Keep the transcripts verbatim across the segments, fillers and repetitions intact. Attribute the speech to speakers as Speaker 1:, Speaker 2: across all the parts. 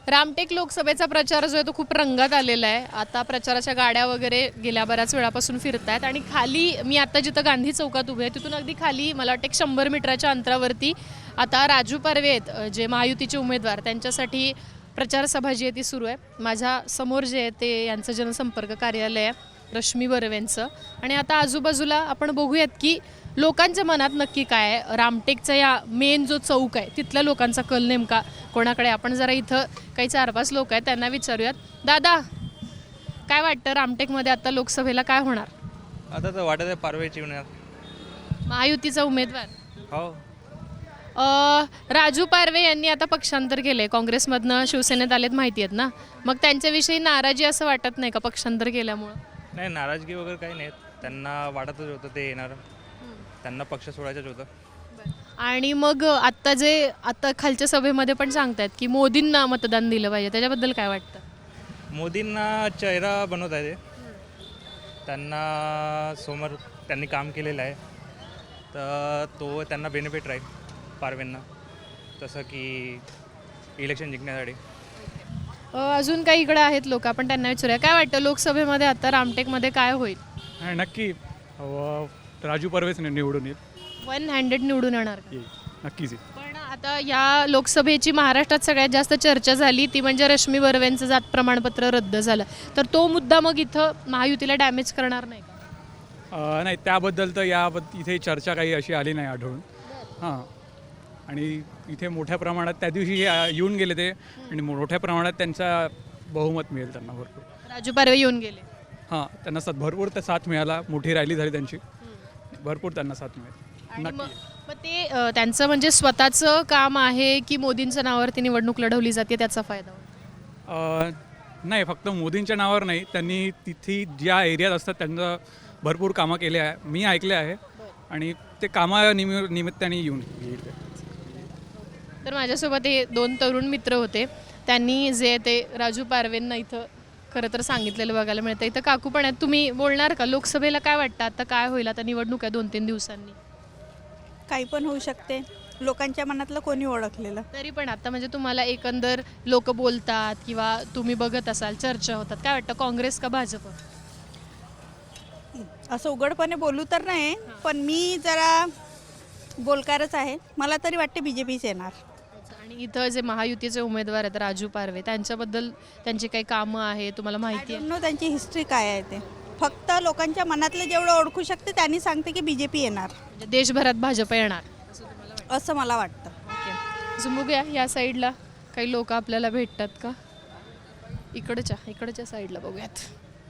Speaker 1: रामटेक लोकसभेचा प्रचार जो आहे तो खूप रंगात आलेला आहे. आता प्रचाराच्या गाड्या वगैरे गेल्या बऱ्याच वेळापासून फिरत आहेत आणि खाली मी आता जिथं गांधी चौकात उभे आहे तिथून अगदी खाली मला वाटतं एक शंभर मीटरच्या अंतरावरती आता राजू पारवे आहेत, अ, जे महायुतीचे उमेदवार, त्यांच्यासाठी प्रचार सभा जी आहे ती सुरू आहे. माझ्या समोर जे आहे ते यांचं जनसंपर्क कार्यालय आहे, रश्मी बर्वेंचं. आणि आता आजूबाजूला आपण बघूयात की लोकांच्या मनात नक्की काय आहे. रामटेकचा या मेन जो चौक आहे तिथल्या लोकांचा कल नेमका कोणाकडे. आपण जरा इथं काही चार पाच लोक आहेत त्यांना विचारूयात. दादा, काय वाटतं रामटेकमध्ये आता लोकसभेला काय होणार?
Speaker 2: आता तर वाटत आहे पारवेची होणार.
Speaker 1: महायुतीचा उमेदवार
Speaker 2: हो,
Speaker 1: अ, राजू पारवे यांनी आता पक्षांतर केलंय, काँग्रेसमधनं शिवसेनेत आलेत माहिती आहेत ना, मग त्यांच्याविषयी नाराजी असं वाटत नाही का पक्षांतर केल्यामुळं?
Speaker 2: नाही नाराजगी वगैरे काही नाही. त्यांना वाटतच होतं ते येणार, त्यांना पक्ष सोडायचंच होतं.
Speaker 1: आणि मग आत्ता जे आता खालच्या सभेमध्ये पण सांगतायत की मोदींना मतदान दिलं पाहिजे, त्याच्याबद्दल काय वाटतं?
Speaker 2: मोदींना चेहरा बनवत आहे ते. त्यांना समोर त्यांनी काम केलेलं आहे, तर तो त्यांना बेनिफिट राहील पारवेंना, तसं की इलेक्शन जिंकण्यासाठी.
Speaker 1: अ, अजून काही इकडे आहेत लोक, आपण त्यांना विचारूया काय वाटतं लोकसभेमध्ये आता रामटेकमध्ये काय होईल?
Speaker 3: हा, नक्की व राजू परवेच नि- निवडून येईल.
Speaker 1: वन हँड्रेड निवडून येणार का?
Speaker 3: येईल नक्कीच येईल.
Speaker 1: पण आता या लोकसभेची महाराष्ट्रात सगळ्यात जास्त चर्चा झाली ती म्हणजे रश्मी बर्वेंचं जात प्रमाणपत्र रद्द झालं, तर तो मुद्दा मग इथं महायुतीला डॅमेज करणार नाही का?
Speaker 3: अं, नाही, त्याबद्दल तर या इथे चर्चा काही अशी आली नाही आढळून. हां, आणि इथे मोठ्या प्रमाणात त्या दिवशी अं, येऊन गेले ते, आणि मोठ्या प्रमाणात त्यांचा बहुमत मिळेल त्यांना भरपूर.
Speaker 1: राजू पारवे येऊन गेले.
Speaker 3: हां, त्यांना साथ भरपूर तर साथ मिळाला, मोठी रॅली झाली त्यांची, भरपूर त्यांना साथ मिळेल.
Speaker 1: आणि मग
Speaker 3: नक्की.
Speaker 1: मग ते अ, त्यांचं म्हणजे स्वतःचं काम आहे की मोदींच्या नावावरती निवडणूक लढवली जाते त्याचा फायदा होतो?
Speaker 3: अ, नाही, फक्त मोदींच्या नावावर नाही, त्यांनी तिथे ज्या एरियात असतात त्यांचं भरपूर कामं केले आहे, मी ऐकले आहे, आणि ते कामा निमि निमित्ताने येऊन येईल ते.
Speaker 1: तर माझ्यासोबत हे दोन तरुण मित्र होते, त्यांनी जे ते राजू पारवेंना इथं खरं तर सांगितलेलं बघायला मिळतं. इथं काकू पण आहेत, तुम्ही बोलणार का? लोकसभेला काय वाटतं आता काय होईल? आता निवडणूक आहे दोन तीन दिवसांनी.
Speaker 4: काही पण होऊ शकते, लोकांच्या मनातलं कोणी ओळखलेलं.
Speaker 1: तरी पण आता म्हणजे तुम्हाला एकंदर लोक बोलतात किंवा तुम्ही बघत असाल चर्चा होतात, काय वाटतं काँग्रेस का भाजप?
Speaker 4: असं उघडपणे बोलू तर नाही, पण मी जरा बोलकारच आहे, मला तरी वाटते बी जे पीच येणार.
Speaker 1: आणि इथं जे महायुतीचे उमेदवार आहेत राजू पारवे, त्यांच्याबद्दल त्यांची काही कामं आहे तुम्हाला माहिती आहे?
Speaker 4: नो त्यांची हिस्ट्री काय आहे ते, फक्त लोकांच्या मनातलं जेवढं ओळखू शकते त्यांनी सांगते की बी जे पी येणार,
Speaker 1: म्हणजे देशभरात भाजप येणार
Speaker 4: असं मला वाटतं.
Speaker 1: ओके. अजून बघूया या साईडला काही लोक आपल्याला भेटतात का? इकडच्या इकडच्या साईडला बघूयात.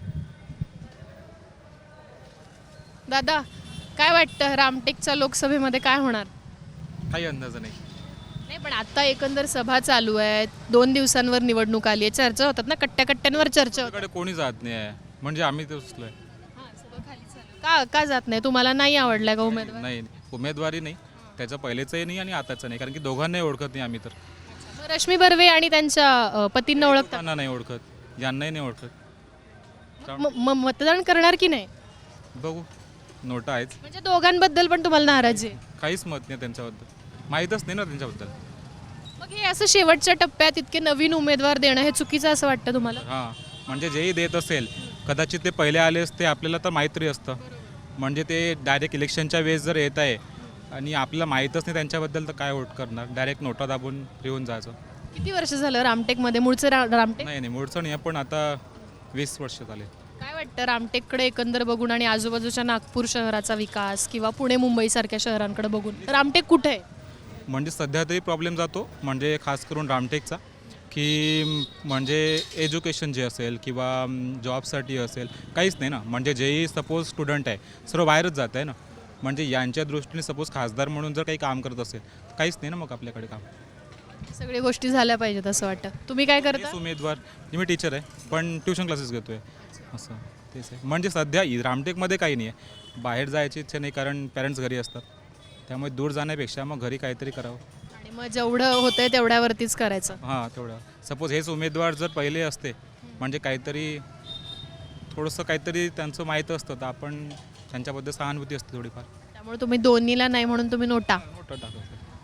Speaker 1: दादा, काय वाटतं रामटेकच्या लोकसभेमध्ये काय होणार?
Speaker 2: काही अंदाज नाही.
Speaker 1: नाही, पण आता एकंदर सभा चालू आहे, दोन दिवसांवर निवडणूक आली आहे, चर्चा होतात ना, कट्ट्या कट्ट्यांवर चर्चा होतात.
Speaker 2: आपल्याकडे कोणी जात नाही आहे, म्हणजे आम्ही ते बसलोय.
Speaker 1: का का जात नाही? तुम्हाला नाही आवडलाय का उमेदवार?
Speaker 2: नाही, उमेदवारी नाही, त्याचं पहिलेचंही नाही आणि आताचं नाही, कारण की दोघांनाही ओळखत नाही आम्ही. तर
Speaker 1: मग रश्मी बर्वे आणि त्यांच्या अ, पतींना ओळखतात,
Speaker 2: त्यांना नाही ओळखत, यांनाही नाही ओळखत.
Speaker 1: म- म- मतदान करणार की नाही?
Speaker 2: बघू, नोटा आहेच.
Speaker 1: म्हणजे दोघांबद्दल पण तुम्हाला नाराजी आहे?
Speaker 2: काहीच मत नाही त्यांच्याबद्दल, माहीतच नाही ना त्यांच्याबद्दल.
Speaker 1: मग हे असं शेवटच्या टप्प्यात इतके नवीन उमेदवार देणं हे चुकीचं असं वाटतं तुम्हाला?
Speaker 2: हां, म्हणजे जेही देत असेल कदाचित ते पहिले आले असते, आपल्याला तर माहीत तरी असतं. म्हणजे ते डायरेक्ट इलेक्शनच्या वेळेस जर येत आहे आणि आपल्याला माहीतच नाही त्यांच्याबद्दल, तर काय वोट करणार? डायरेक्ट नोटा दाबून येऊन जायचं.
Speaker 1: किती वर्ष झालं रामटेकमध्ये? मूळचं रा रामटेक?
Speaker 2: नाही नाही, मूळचं नाही आहे, पण आता वीस वर्ष झाले.
Speaker 1: काय वाटतं रामटेककडे एकंदर बघून आणि आजूबाजूच्या नागपूर शहराचा विकास किंवा पुणे मुंबईसारख्या शहरांकडे बघून रामटेक कुठे आहे?
Speaker 2: म्हणजे सध्या तरी प्रॉब्लेम जातो, म्हणजे खास करून रामटेकचा, की म्हणजे एज्युकेशन जे असेल किंवा जॉबसाठी असेल काहीच नाही ना. म्हणजे जेही सपोज स्टुडंट आहे सर्व बाहेरच जात आहे ना. म्हणजे यांच्या दृष्टीने सपोज खासदार म्हणून जर काही काम करत असेल तर काहीच नाही ना मग आपल्याकडे काम.
Speaker 1: सगळ्या गोष्टी झाल्या पाहिजेत असं वाटतं. तुम्ही काय करता?
Speaker 2: तेच उमेदवार, मी टीचर आहे पण ट्युशन क्लासेस घेतो आहे, असं तेच आहे. म्हणजे सध्या इ- रामटेकमध्ये काही नाही आहे, बाहेर जायची इच्छा नाही कारण पॅरेंट्स घरी असतात, त्यामुळे दूर जाण्यापेक्षा मग घरी काहीतरी करावं.
Speaker 1: आणि मग जेवढं होतंय तेवढ्यावरतीच करायचं.
Speaker 2: हां, तेवढं. सपोज हेच उमेदवार जर पहिले असते, म्हणजे काहीतरी थोडंसं काहीतरी त्यांचं माहीत असतं, तर आपण त्यांच्याबद्दल सहानुभूती असते थोडीफार.
Speaker 1: त्यामुळे तुम्ही दोन्हीला नाही म्हणून तुम्ही नोटा.
Speaker 2: नोटा टाकतो.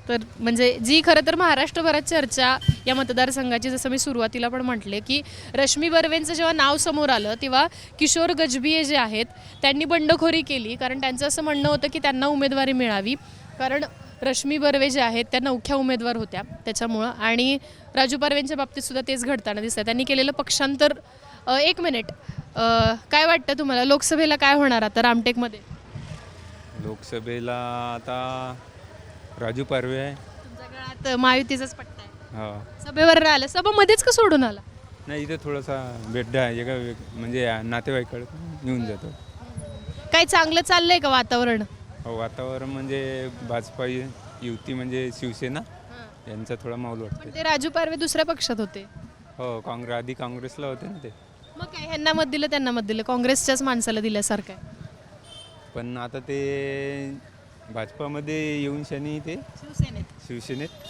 Speaker 1: तर म्हणजे जी खरं तर महाराष्ट्रभरात चर्चा या मतदारसंघाची, जसं मी सुरुवातीला पण म्हटले की रश्मी बर्वेंचं जेव्हा नाव समोर आलं तेव्हा किशोर गजबिये जे आहेत त्यांनी बंडखोरी केली, कारण त्यांचं असं म्हणणं होतं की त्यांना उमेदवारी मिळावी, कारण रश्मी बर्वे जे आहेत त्या नवख्या उमेदवार होत्या त्याच्यामुळं. आणि राजू पारवेंच्या बाबतीत सुद्धा तेच घडताना दिसतं. त्यांनी केलेलं पक्षांतर. अ, एक मिनिट, अ, काय वाटतं तुम्हाला लोकसभेला काय होणार आता रामटेकमध्ये?
Speaker 5: लोकसभेला आता राजू पारवे आहे.
Speaker 1: तुमच्या काळात महायुतीचाच पट्टा आहे.
Speaker 5: हो
Speaker 1: सभेवर आलं, सभामध्येच का सोडून आला?
Speaker 5: नाही, इथे थोडासा बेड्डा आहे एका वेग- म्हणजे यांच्याकडे येऊन जातो.
Speaker 1: काही चांगलं चाललंय का वातावरण?
Speaker 5: हो, वातावरण म्हणजे भाजपा युती म्हणजे शिवसेना यांचा थोडा माहोल वाटते.
Speaker 1: पण ते राजू पारवे दुसऱ्या पक्षात होते.
Speaker 5: हो, काँग्रेस आधी काँग्रेसला होते ना ते.
Speaker 1: मग काय ह्यांना मत दिलं त्यांना मत दिलं, काँग्रेसच्याच माणसाला दिल्यासारखं आहे.
Speaker 5: पण आता ते भाजपामध्ये येऊन शनी ते
Speaker 1: शिवसेनेत
Speaker 5: शिवसेनेत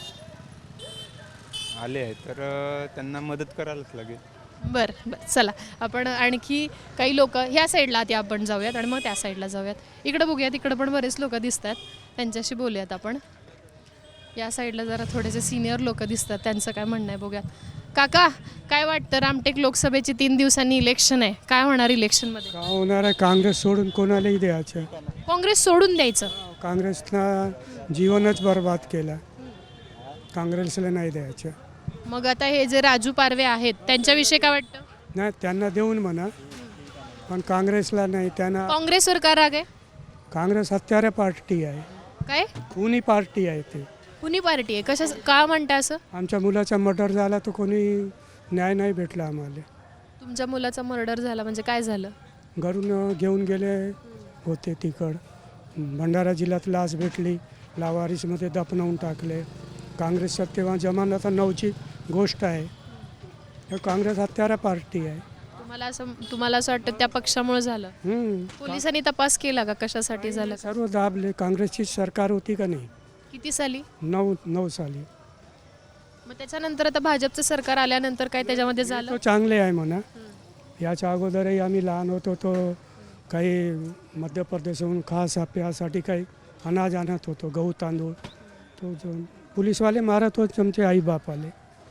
Speaker 5: आले आहेत, तर अ, त्यांना मदत करायलाच लागेल.
Speaker 1: बरं बरं, चला आपण आणखी काही लोक ह्या साईडला आधी आपण जाऊयात आणि मग त्या साईडला जाऊयात. इकडं बघूयात, इकडं पण बरेच लोक दिसत आहेत, त्यांच्याशी बोलूयात आपण. या साईडला जरा थोडेसे सिनियर लोक दिसतात, त्यांचं काय म्हणणं आहे बघूयात. काका, काय वाटतं रामटेक लोकसभेची तीन दिवसांनी इलेक्शन आहे, काय होणार इलेक्शनमध्ये?
Speaker 6: का होणार आहे? काँग्रेस सोडून कोणालाही द्यायचं.
Speaker 1: काँग्रेस सोडून द्यायचं?
Speaker 6: काँग्रेसनं जीवनच बर्बाद केलं, काँग्रेसला नाही द्यायचं.
Speaker 1: मग आता हे जे राजू पारवे आहेत त्यांच्याविषयी काय वाटतं?
Speaker 6: नाही, त्यांना देऊन म्हणा, पण काँग्रेसला नाही. त्यांना
Speaker 1: काँग्रेसवर का राग आहे?
Speaker 6: काँग्रेस हत्यारे पार्टी आहे,
Speaker 1: काय
Speaker 6: खुनी पार्टी आहे ते.
Speaker 1: कुणी पार्टी आहे? कशा का म्हणता असं?
Speaker 6: आमच्या मुलाचा मर्डर झाला तर कोणी न्याय नाही भेटला आम्हाला.
Speaker 1: तुमच्या मुलाचा मर्डर झाला म्हणजे काय झालं?
Speaker 6: घरून घेऊन गेले होते तिकड, भंडारा जिल्ह्यात लाच भेटली, लावारिसमध्ये दफनवून टाकले. काँग्रेस तेव्हा जमानात नऊची गोष्ट आहे. हे काँग्रेस हत्यारा पार्टी आहे.
Speaker 1: तुम्हाला असं तुम्हाला असं वाटतं त्या पक्षामुळे झालं?
Speaker 6: हम्म.
Speaker 1: पोलिसांनी तपास केला का कशासाठी झालं?
Speaker 6: सर्व दाबले. काँग्रेसची सरकार होती का नाही
Speaker 1: किती साली?
Speaker 6: नऊ नऊ साली.
Speaker 1: मग त्याच्यानंतर आता भाजपचं सरकार आल्यानंतर काय त्याच्यामध्ये झालं?
Speaker 6: तो चांगले आहे म्हणा. याच्या अगोदरही आम्ही लहान होतो तो काही मध्य प्रदेशहून खास प्यासाठी काही अनाज आणत होतो, गहू तांदूळ. तो जो पोलीसवाले मारत होते आमचे आईबापाले.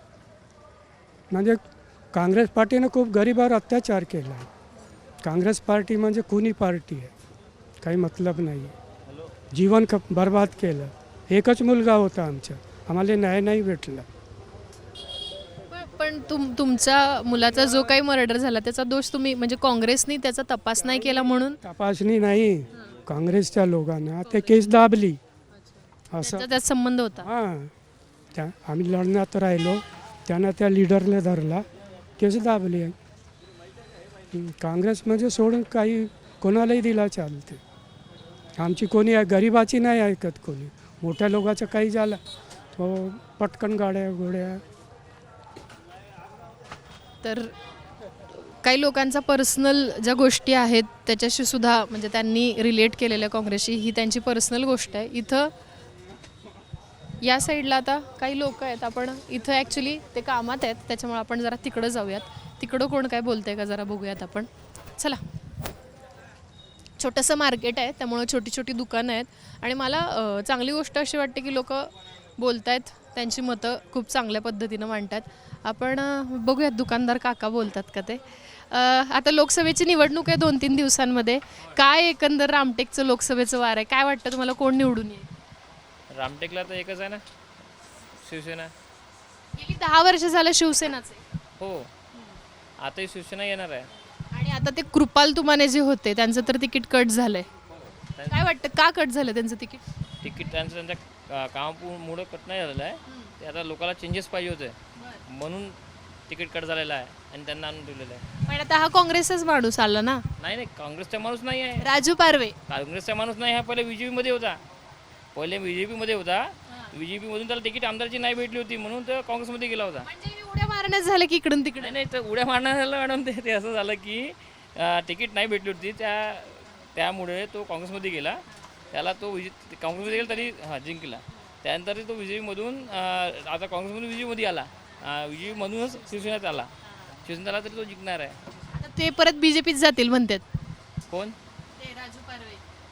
Speaker 6: म्हणजे काँग्रेस पार्टीनं खूप गरिबावर अत्याचार केला आहे. काँग्रेस पार्टी म्हणजे खुनी पार्टी आहे, काही मतलब नाही. जीवन क बर्बाद केलं. एकच मुलगा होता आमचा, आम्हाला न्याय नाही भेटला.
Speaker 1: पण- पण तुम तुमच्या मुलाचा जो काही मर्डर झाला त्याचा दोष तुम्ही म्हणजे काँग्रेसनी त्याचा तपास नाही केला म्हणून?
Speaker 6: तपासणी नाही, काँग्रेसच्या लोकांना ते केस दाबली असं.
Speaker 1: त्याचा त्यात संबंध होता?
Speaker 6: हां, त्या आम्ही लढण्यात राहिलो, त्यानं त्या लिडरला धरला, केस दाबली. हं, काँग्रेस म्हणजे सोडून काही कोणालाही दिला चालते. आमची कोणी गरिबाची नाही ऐकत कोणी. मोठ्या लोकांचं काही झालं तो पटकन गाड्या घोड्या.
Speaker 1: तर काही लोकांचा पर्सनल ज्या गोष्टी आहेत त्याच्याशी सुद्धा म्हणजे त्यांनी रिलेट केलेल्या काँग्रेसशी, ही त्यांची पर्सनल गोष्ट आहे. इथं या साईडला आता काही लोक आहेत, आपण इथं ॲक्च्युली ते कामात आहेत त्याच्यामुळे आपण जरा तिकडं जाऊयात. तिकडं कोण काय बोलतंय का जरा बघूयात आपण. चला, छोटंसं मार्केट आहे त्यामुळं छोटी छोटी दुकानं आहेत आणि मला अ, चांगली गोष्ट अशी वाटते की लोक बोलत आहेत, त्यांची मतं खूप चांगल्या पद्धतीनं मांडतात. आपण अ, बघूयात दुकानदार काका बोलतात का ते. अ, आता लोकसभेची निवडणूक आहे दोन तीन दिवसांमध्ये. काय एकंदर रामटेकचं लोकसभेचं वार आहे, काय वाटतं तुम्हाला कोण निवडून येईल?
Speaker 7: रामटेकला तर एकच आहे ना, शिवसेना.
Speaker 1: गेली दहा वर्ष झालं शिवसेनाचे.
Speaker 7: हो, आताही शिवसेना येणार आहे.
Speaker 1: आणि आता ते कृपाल तुमाने जे होते त्यांचं तर तिकीट कट झालंय. काय वाटतं का कट झालं त्यांचं तिकीट?
Speaker 7: तिकीट त्यांचं त्यांच्या का- कामामुळं कट नाही झालेलं आहे. ते आता लोकांना चेंजेस पाहिजे होते म्हणून तिकीट कट झालेलं आहे आणि त्यांना आणून ठेवलेलं आहे.
Speaker 1: पण आता हा काँग्रेसचाच माणूस आला ना,
Speaker 7: नाही नाही, काँग्रेसचा माणूस नाही आहे.
Speaker 1: राजू पारवे.
Speaker 7: काँग्रेसचा माणूस नाही, हा पहिले बी जे पीमध्ये होता. पहिले बी जे पीमध्ये होता. बी जे पीमधून त्याला तिकीट आमदारची नाही भेटली होती म्हणून तो काँग्रेसमध्ये गेला होता.
Speaker 1: म्हणजे उड्या मारण्यात झालं की इकडून तिकडे.
Speaker 7: नाही नाही, तर उड्या मारण्याला मॅडम ते ते असं झालं की अं, तिकीट नाही भेटली होती, त्या त्यामुळे तो काँग्रेसमध्ये गेला. त्याला तो विजय काँग्रेसमध्ये गेला तरी हां जिंकला. त्यानंतर तो विजयमधून आता काँग्रेसमधून विजयमध्ये आला, विजयमधूनच शिवसेनेत आला. शिवसेनेत आला तरी तो जिंकणार आहे.
Speaker 1: आता ते परत बीजेपीत जातील म्हणतात.
Speaker 7: कोण?
Speaker 1: ते राजू पारवे.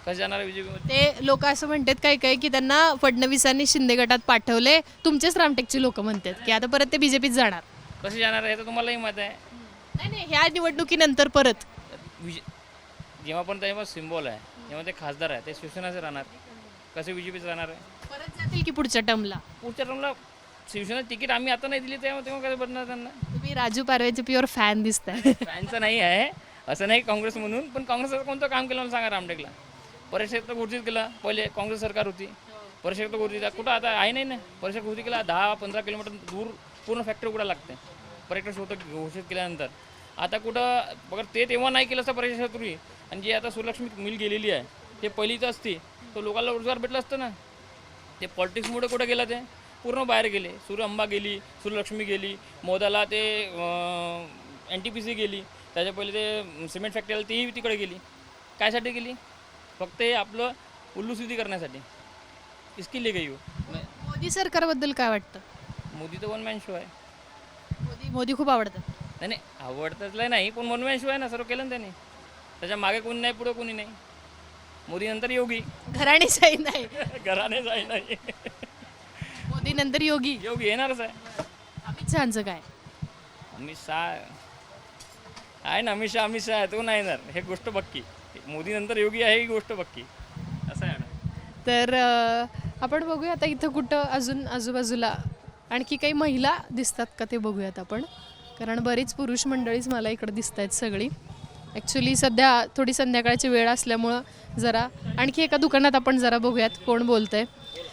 Speaker 7: कसं जाणार आहे बीजेपीमध्ये?
Speaker 1: ते लोक असं म्हणतात काही काही की त्यांना फडणवीसांनी शिंदे गटात पाठवले, तुमचेच रामटेकची लोक म्हणतात की आता परत ते बीजेपीत जाणार.
Speaker 7: कसे जाणार आहे तर तुम्हालाही माहीत आहे.
Speaker 1: नाही नाही, ह्या निवडणुकीनंतर परत
Speaker 7: विजय जेव्हा पण तेव्हा सिम्बॉल आहे, जेव्हा ते खासदार आहे ते शिवसेनाचे राहणार, कसे बीजेपीचे राहणार आहे?
Speaker 1: परत जातील की पुढच्या टर्मला.
Speaker 7: पुढच्या टर्मला शिवसेना तिकीट आम्ही आता नाही दिली तेव्हा तेव्हा कसं बनणार त्यांना?
Speaker 1: तुम्ही राजू पारवेचे प्युअर फॅन दिसताय.
Speaker 7: फॅनचं नाही आहे असं नाही काँग्रेस म्हणून, पण काँग्रेसचं कोणतं काम केलं मला सांगा रामटेकला? परीक्षेत तर घोषित केलं, पहिले काँग्रेस सरकार होती, परीक्षेत तर घोषित कुठं आता आहे नाही ना. परीक्षा घोषित केला, दहा पंधरा किलोमीटर दूर पूर्ण फॅक्टरी कुठं लागते पर्यटक होतं घोषित केल्यानंतर. आता कुठं बघा ते तेव्हा नाही केलं असतं परीक्षेपूर्वी, आणि जी आता सुलक्ष्मी मिल गेलेली आहे ते पहिलीच असती तर लोकांना रोजगार भेटला असतं ना. ते पॉलिटिक्समुळे कुठं गेलं, ते पूर्ण बाहेर गेले. सूर्य अंबा गेली, सूर्यलक्ष्मी गेली, मोदाला ते एन टी पी सी गेली, त्याच्या पहिले ते सिमेंट फॅक्टरी आली तीही तिकडे गेली. कायसाठी गेली? फक्त हे आपलं उल्लूसिद्धी करण्यासाठी. इसकी ले गई हो.
Speaker 1: मोदी सरकारबद्दल काय वाटतं?
Speaker 7: मोदी तर वन मॅन शो आहे.
Speaker 1: मोदी मोदी खूप आवडतात.
Speaker 7: नाही नाही आवडतंच नाही, पण वन मॅन शो आहे ना, सर्व केलं ना त्याने. त्याच्या मागे कोणी नाही, पुढं कोणी नाही. मोदी नंतर योगी.
Speaker 1: घराणेशाही नाही,
Speaker 7: घराने जाई नाही.
Speaker 1: मोदी नंतर योगी.
Speaker 7: योगी येणारच आहे.
Speaker 1: अमित शहाचं काय?
Speaker 7: अमित शहा आहे ना, अमित शहा अमित शहा आहे, तो नाही येणार, हे गोष्ट पक्की. मोदी नंतर योगी आहे ही गोष्ट पक्की. असं आहे ना.
Speaker 1: तर अं, आपण बघूया आता इथं कुठं अजून आजूबाजूला आणखी काही महिला दिसतात का ते बघूयात आपण, कारण बरीच पुरुष मंडळीच मला इकडं दिसत आहेत सगळी. ॲक्च्युली सध्या थोडी संध्याकाळची वेळ असल्यामुळं जरा आणखी एका दुकानात आपण जरा बघूयात कोण बोलतंय.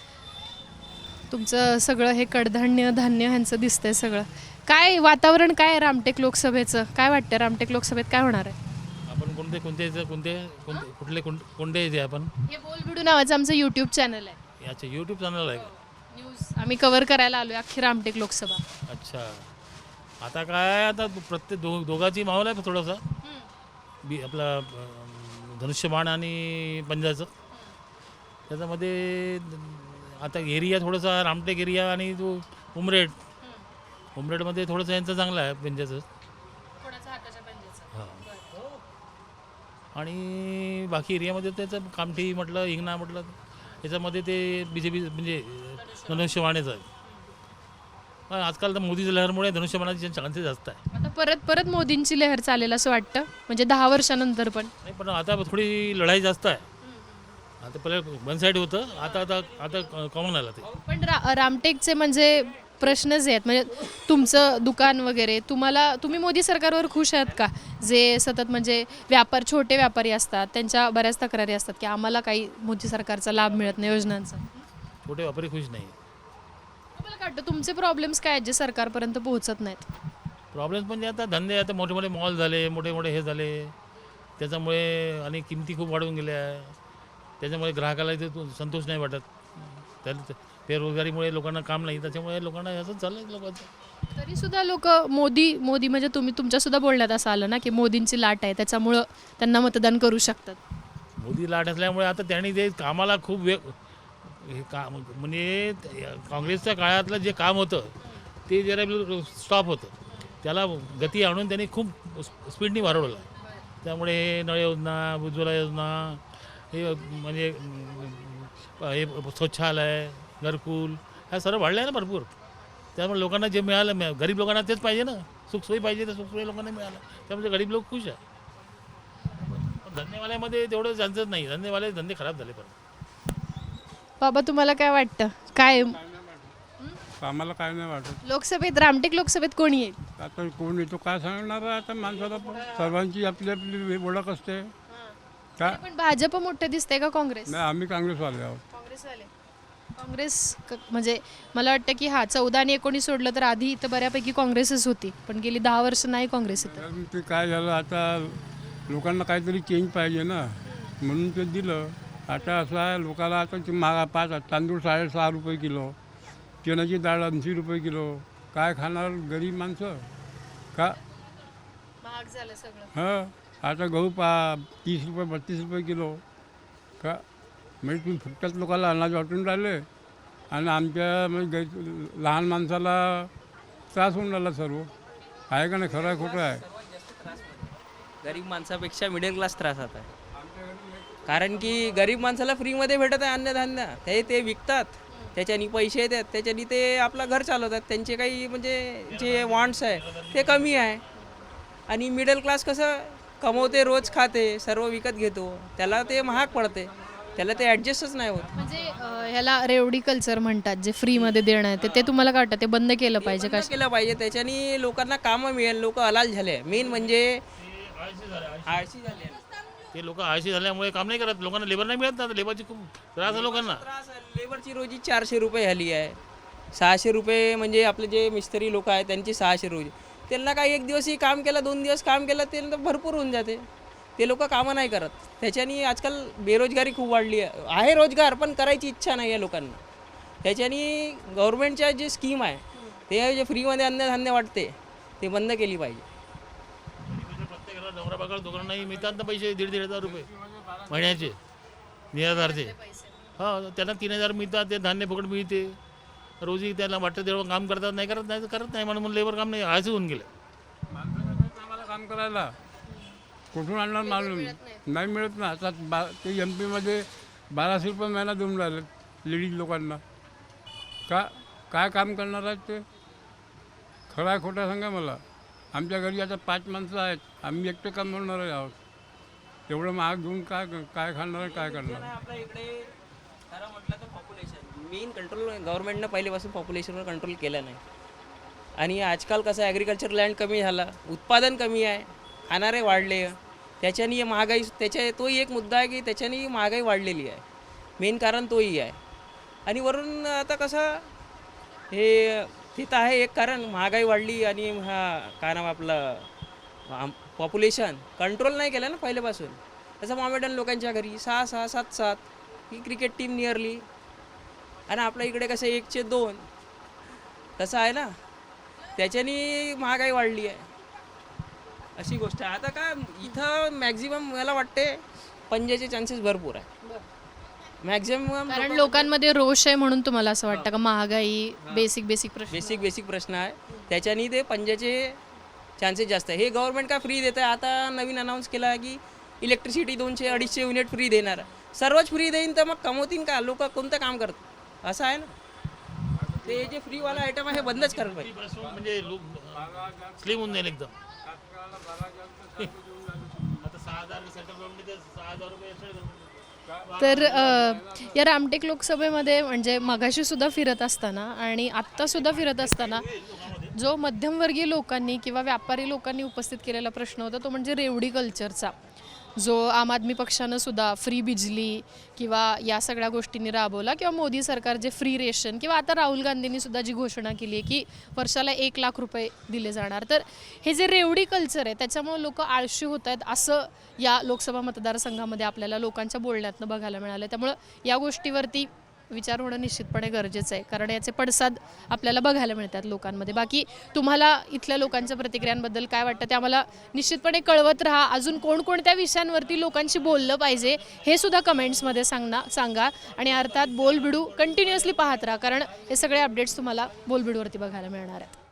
Speaker 1: तुमचं सगळं हे कडधान्य धान्य ह्यांचं दिसतंय सगळं. काय वातावरण काय आहे रामटेक लोकसभेचं? काय वाटतं रामटेक लोकसभेत काय होणार आहे?
Speaker 8: आपण कोणते कोणते कोणते कोणते कुठले कोण कोणते येते आपण
Speaker 1: हे बोलबिडू नावाचं आमचं यूट्यूब चॅनल आहे.
Speaker 8: याचे यूट्यूब चॅनल आहे का?
Speaker 1: न्यूज आम्ही कव्हर करायला आलो अख्खी रामटेक लोकसभा.
Speaker 8: अच्छा. आता काय आता प्रत्येक दो दोघांची माहोल आहे थोडासा बी आपला अं, धनुष्यबाण आणि पंजाचं. त्याच्यामध्ये आता एरिया थोडासा रामटेक एरिया आणि तो उमरेड उमरेडमध्ये थोडंसं यांचं चांगलं आहे पंजाचं. हां. आणि बाकी एरियामध्ये त्याचं कामठी म्हटलं हिंगणा म्हटलं याच्यामध्ये ते बी जे पी म्हणजे धनुष्यबाणेचं आहे. पण आजकाल तर मोदीच्या लहरमुळे धनुष्यबाणाचे चान्सेस जास्त आहे.
Speaker 1: आता परत परत मोदींची लहर चालेल असं वाटतं, म्हणजे दहा वर्षानंतर पण.
Speaker 8: नाही पण आता थोडी लढाई जास्त आहे. आता पहिले वन साईड होतं, आता आता आता कॉमन आलं ते.
Speaker 1: पण रा रामटेकचे म्हणजे प्रश्न जे आहेत, म्हणजे तुमचं दुकान वगैरे, तुम्हाला तुम्ही मोदी सरकारवर खुश आहात का? जे सतत म्हणजे व्यापार छोटे व्यापारी असतात त्यांच्या बऱ्याच तक्रारी असतात की आम्हाला काही मोदी सरकारचा लाभ मिळत नाही योजनांचा.
Speaker 8: छोटे व्यापारी खुश नाही.
Speaker 1: तुम्हाला काय वाटतं तुमचे प्रॉब्लेम्स काय आहेत जे सरकारपर्यंत पोहोचत नाहीत?
Speaker 8: प्रॉब्लेम्स म्हणजे आता धंदे आता मोठे मोठे मॉल झाले, मोठे मोठे हे झाले, त्याच्यामुळे आणि किमती खूप वाढून गेल्या. त्याच्यामुळे ग्राहकाला इथे तो संतोष नाही वाटत. त्या बेरोजगारीमुळे लोकांना काम नाही, त्याच्यामुळे लोकांना असंच झालं लोकांचं.
Speaker 1: तरी सुद्धा लोक मोदी मोदी म्हणजे तुम्ही तुमच्या सुद्धा बोलण्यात असं आलं ना की मोदींची लाट आहे त्याच्यामुळं त्यांना मतदान करू शकतात.
Speaker 8: मोदी लाट असल्यामुळे आता त्यांनी ते कामाला खूप वेग हे काम म्हणजे काँग्रेसच्या काळातलं जे काम होतं ते जरा स्टॉप होतं, त्याला गती आणून त्यांनी खूप स्पीडनी वाढवलं. त्यामुळे हे नळ योजना, उज्ज्वला योजना, हे म्हणजे हे स्वच्छालय, घरकुल ह्या सर्व वाढलं आहे ना भरपूर. त्यामुळे लोकांना जे मिळालं मिळा गरीब लोकांना तेच पाहिजे ना, सुखसोयी पाहिजे तर सुखसोयी लोकांना मिळालं, त्यामुळे गरीब लोक खुश आहे. धंदेवाल्यामध्ये तेवढं चान्सेस नाही, धंदेवाले धंदे खराब झाले. पण
Speaker 1: बाबा तुम्हाला काय वाटतं काय
Speaker 9: आम्हाला काय नाही वाटत.
Speaker 1: लोकसभेत रामटेक लोकसभेत कोणी येईल?
Speaker 9: आता कोण येतो काय सांगणार आहे आता माणसाला, पण सर्वांची आपली आपली ओळख असते. का
Speaker 1: पण भाजप मोठं दिसतंय का काँग्रेस?
Speaker 9: नाही, आम्ही काँग्रेसवाले आहोत.
Speaker 1: काँग्रेसवाले काँग्रेस क- म्हणजे मला वाटतं की हा चौदा आणि एकोणीस सोडलं तर आधी इथं बऱ्यापैकी काँग्रेसच होती, पण गेली दहा वर्ष नाही काँग्रेस इथं.
Speaker 9: कारण ते काय झालं आता लोकांना काहीतरी चेंज पाहिजे ना, म्हणून ते दिलं. आता असं आहे लोकांना आता ते मागा पाच तांदूळ साडेसहा रुपये किलो, चण्याची डाळ ऐंशी रुपये किलो, काय खाणार गरीब माणसं का?
Speaker 1: महाग झालं सगळं.
Speaker 9: हां, आता गहू पा तीस रुपये बत्तीस रुपये किलो का? म्हणजे तुम्ही फुकटात लोकांना अनाज वाटून राहिले आणि आमच्या म्हणजे गै लहान माणसाला त्रास होऊन राहिला सर्व. आहे का नाही? खरं आहे खोटं आहे?
Speaker 10: गरीब माणसापेक्षा मिडल क्लास त्रासात आहे. कारण की गरीब माणसाला फ्रीमध्ये भेटत आहे अन्नधान्य, ते ते विकतात, त्याच्यानी पैसे येतात, त्याच्यानी ते आपलं घर चालवतात, त्यांचे काही म्हणजे जे वॉन्ट्स आहे ते कमी आहे. आणि मिडल क्लास कसं कमवते, रोज खाते, सर्व विकत घेतो, त्याला ते महाग पडते, त्याला ते ॲडजस्टच नाही होत.
Speaker 1: म्हणजे अं, ह्याला रेवडी कल्चर म्हणतात, जे फ्रीमध्ये देणं आहे ते- ते तुम्हाला काय वाटतं ते बंद केलं पाहिजे का?
Speaker 10: बंद केलं पाहिजे, त्याच्यानी लोकांना कामं मिळेल, लोक हलाल झाले. मेन म्हणजे आळशी झाले.
Speaker 8: ते लोक आळशी झाल्यामुळे काम नाही करत, लोकांना लेबर नाही मिळत ना, लेबरची खूप त्रास आहे लोकांना.
Speaker 10: त्रास आहे. लेबरची रोजी चारशे रुपये झाली आहे, सहाशे रुपये म्हणजे आपले जे मिस्त्री लोक आहेत त्यांची सहाशे रोजी. त्यांना काही एक दिवसही काम केलं, दोन दिवस काम केलं ते भरपूर होऊन जाते. ते लोक कामं नाही करत, त्याच्यानी आजकाल बेरोजगारी खूप वाढली आहे. आहे रोजगार पण करायची इच्छा नाही आहे लोकांना. त्याच्यानी गव्हर्नमेंटच्या जे स्कीम आहे ते जे फ्रीमध्ये अन्नधान्य वाटते ते बंद केली पाहिजे.
Speaker 8: प्रत्येकाला नवरा बायकोला दोघांनाही मिळतात ना पैसे, दीड दीड हजार रुपये महिन्याचे निराधारचे. हां, त्यांना तीन हजार मिळतात, ते धान्य फुकट मिळते. रोजी त्याला वाटतं तेव्हा काम करतात, नाही करत नाही तर करत नाही म्हणून लेबर काम नाही, आळशी होऊन गेलं.
Speaker 9: आम्हाला काम करायला कुठून आणणार मालूम नाही मिळत ना. आता बा ते एम पीमध्ये बाराशे रुपये महिना देऊन राहिले लेडीज लोकांना. का काय काम करणार आहेत ते? खरा आहे खोटा सांगा मला. आमच्या घरी आता पाच माणसं आहेत, आम्ही एकटे काम करणार आहोत. एवढं महाग घेऊन काय काय खाणार आहे, काय करणार?
Speaker 10: आपल्या इकडे खरं म्हटलं तर पॉप्युलेशन मेन कंट्रोल गव्हर्नमेंटनं पहिल्यापासून पॉप्युलेशनवर कंट्रोल केलं नाही. आणि आजकाल कसं ॲग्रिकल्चर लँड कमी झाला, उत्पादन कमी आहे, खाणारे वाढले, त्याच्यानी महागाई, त्याच्या तोही एक मुद्दा आहे की त्याच्यानी महागाई वाढलेली आहे. मेन कारण तोही आहे. आणि वरून आता कसं हे तिथं आहे एक कारण, महागाई वाढली आणि हा काय नाव आपलं पॉप्युलेशन कंट्रोल नाही केलं ना पहिल्यापासून. तसं मोमेडन लोकांच्या घरी सहा सहा सात सात ही क्रिकेट टीम नियरली, आणि आपल्या इकडे कसं एकचे दोन तसं आहे ना, त्याच्यानी महागाई वाढली आहे. अशी गोष्ट आहे. आता काय इथं मॅक्झिमम मला वाटते पंजाचे चान्सेस भरपूर आहे मॅक्झिमम.
Speaker 1: कारण लोकांमध्ये रोष आहे म्हणून तुम्हाला असं वाटतं का? महागाई, बेसिक बेसिक प्रश्न,
Speaker 10: बेसिक बेसिक प्रश्न आहे, त्याच्यानी ते पंजाचे चान्सेस जास्त आहे. हे गव्हर्नमेंट का फ्री देतं आहे? आता नवीन अनाऊन्स केलं आहे की इलेक्ट्रिसिटी दोनशे अडीचशे युनिट फ्री देणार आहे. सर्वच फ्री देईन तर मग कमवतील का लोक? कोणतं काम करतात? असं आहे ना. ते जे फ्रीवाला आयटम आहे हे बंदच करायला पाहिजे.
Speaker 8: म्हणजे लोक स्लिम होऊन जाईल एकदम. आता सहा हजार सेंट्रल गव्हर्नमेंट सहा हजार रुपये.
Speaker 1: तर अ, या रामटेक लोकसभेमध्ये म्हणजे मगाशी सुद्धा फिरत असताना आणि आत्तासुद्धा फिरत असताना जो मध्यमवर्गीय लोकांनी किंवा व्यापारी लोकांनी उपस्थित केलेला प्रश्न होता तो म्हणजे रेवडी कल्चरचा, जो आम आदमी पक्षानं सुद्धा फ्री बिजली किंवा या सगळ्या गोष्टींनी राबवला, किंवा मोदी सरकार जे फ्री रेशन, किंवा आता राहुल गांधींनी सुद्धा जी घोषणा केली आहे की वर्षाला एक लाख रुपये दिले जाणार. तर हे जे रेवडी कल्चर आहे त्याच्यामुळे लोक आळशी होत आहेत असं या लोकसभा मतदारसंघामध्ये आपल्याला लोकांच्या बोलण्यातनं बघायला मिळालं. त्यामुळं या गोष्टीवरती विचार होणं निश्चितपणे गरजेचं आहे, कारण याचे पडसाद आपल्याला बघायला मिळतात लोकांमध्ये. बाकी तुम्हाला इथल्या लोकांच्या प्रतिक्रियांबद्दल काय वाटतं ते आम्हाला निश्चितपणे कळवत राहा. अजून कोणकोणत्या विषयांवरती लोकांशी बोललं पाहिजे हे सुद्धा कमेंट्समध्ये सांगना सांगा. आणि अर्थात बोलबिडू कंटिन्युअसली पाहत राहा, कारण हे सगळे अपडेट्स तुम्हाला बोलबिडूवरती बघायला मिळणार आहेत.